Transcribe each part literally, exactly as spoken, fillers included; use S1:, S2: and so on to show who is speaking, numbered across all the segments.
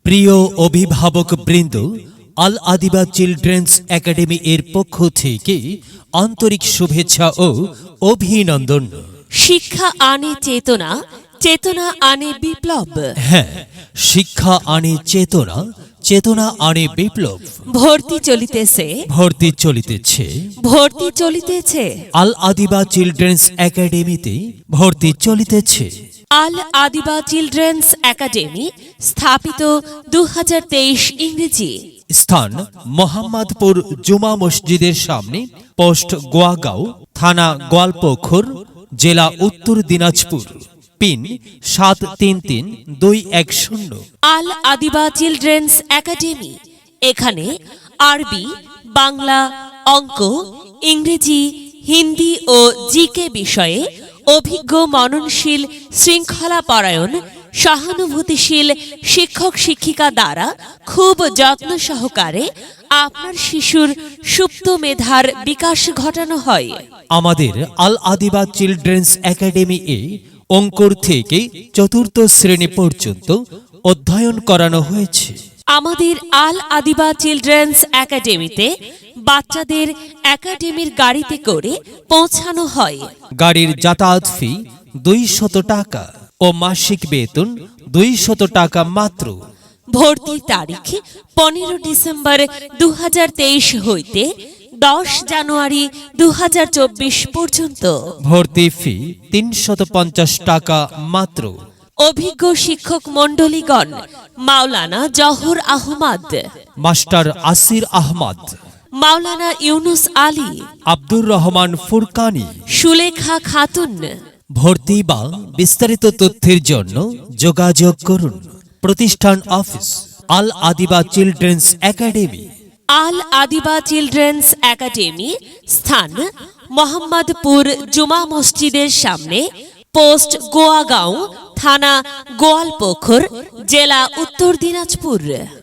S1: প্রিয় অভিভাবক বৃন্দ, আল আদিবা চিলড্রেন্স একাডেমি এর পক্ষ থেকে আন্তরিক শুভেচ্ছা ও অভিনন্দন।
S2: শিক্ষা আনে চেতনা, চেতনা আনে বিপ্লব।
S1: হ্যাঁ, শিক্ষা আনে চেতনা, চেতনা আনে বিপ্লব।
S2: ভর্তি চলিতেছে,
S1: ভর্তি চলিতেছে,
S2: ভর্তি চলিতেছে।
S1: আল আদিবা চিলড্রেন্স একাডেমিতে ভর্তি চলিতেছে।
S2: আল আদিবা চিলড্রেন্স একাডেমি স্থাপিত দু হাজার তেইশ ইংরেজি।
S1: স্থান মোহাম্মদপুর জুমা মসজিদের সামনে, পোস্ট গোয়াগাঁও, থানা গোয়ালপোখর, জেলা উত্তর দিনাজপুর। পিন সাত তিন তিন দুই এক শূন্য।
S2: আল আদিবা চিলড্রেন্স একাডেমি এখানে আরবি, বাংলা, অঙ্ক, ইংরেজি, হিন্দি ও জিকে বিষয়ে অভিজ্ঞ, মননশীল, শৃঙ্খলাপরায়ণ, সহানুভূতিশীল শিক্ষক শিক্ষিকা দ্বারা খুব যত্ন সহকারে আপনার শিশুর সুপ্ত মেধার বিকাশ ঘটানো হয়।
S1: আমাদের আল আদিবা চিলড্রেন্স একাডেমি এ অঙ্কুর থেকে চতুর্থ শ্রেণী পর্যন্ত অধ্যয়ন করানো হয়েছে।
S2: আমাদের আল আদিবা চিলড্রেন্স একাডেমিতে বাচ্চাদের একাডেমির গাড়িতে করে পৌঁছানো হয়।
S1: গাড়ির যাতায়াত ফি দুইশত টাকা ও মাসিক বেতন দুইশত টাকা মাত্র।
S2: ভর্তির তারিখ পনেরো ডিসেম্বর দু হাজার তেইশ হইতে দশ জানুয়ারি দু হাজার চব্বিশ পর্যন্ত।
S1: ভর্তি ফি তিনশত পঞ্চাশ টাকা মাত্র।
S2: অভিজ্ঞ শিক্ষক মণ্ডলীগণ মাওলানা জহর আহমদ,
S1: মাস্টার আসির আহমদ,
S2: মাওলানা ইউনুস আলী,
S1: আব্দুর রহমান ফুরকানি,
S2: সুলেখা খাতুন।
S1: ভর্তি বা বিস্তারিত তথ্যের জন্য যোগাযোগ করুন। প্রতিষ্ঠান office Al Adiba children's academy.
S2: Al Adiba children's academy স্থান মোহাম্মদপুর জুমা মসজিদের সামনে, পোস্ট গোয়াগাঁও, থানা গোয়ালপোখর, জেলা Uttar Dinajpur.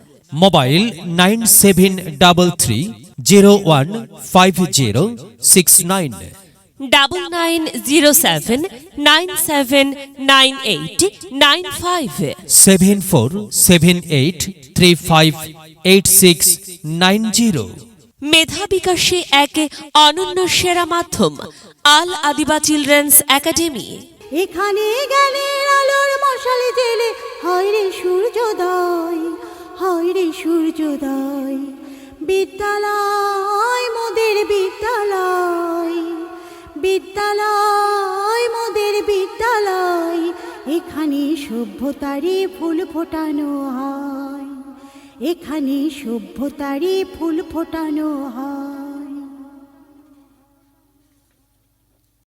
S1: Mobile nine seven double three zero one five zero six nine,
S2: double nine zero seven nine seven nine eight nine five,
S1: seven four seven eight three five eight six nine zero.
S2: মেধা বিকাশে এক অনন্য সেরা মাধ্যম আল Adiba children's academy.
S3: এখানে জ্ঞানের আলোর মশাল জেলে হয় রে সূর্যোদয়, হয় রে সূর্যোদয়। বিদ্যালয় মোদের বিদ্যালয়, বিদ্যালয় মোদের বিদ্যালয়। এখানে সভ্যতারই ফুল ফোটানো হয়, এখানে সভ্যতারই ফুল ফোটানো হয়।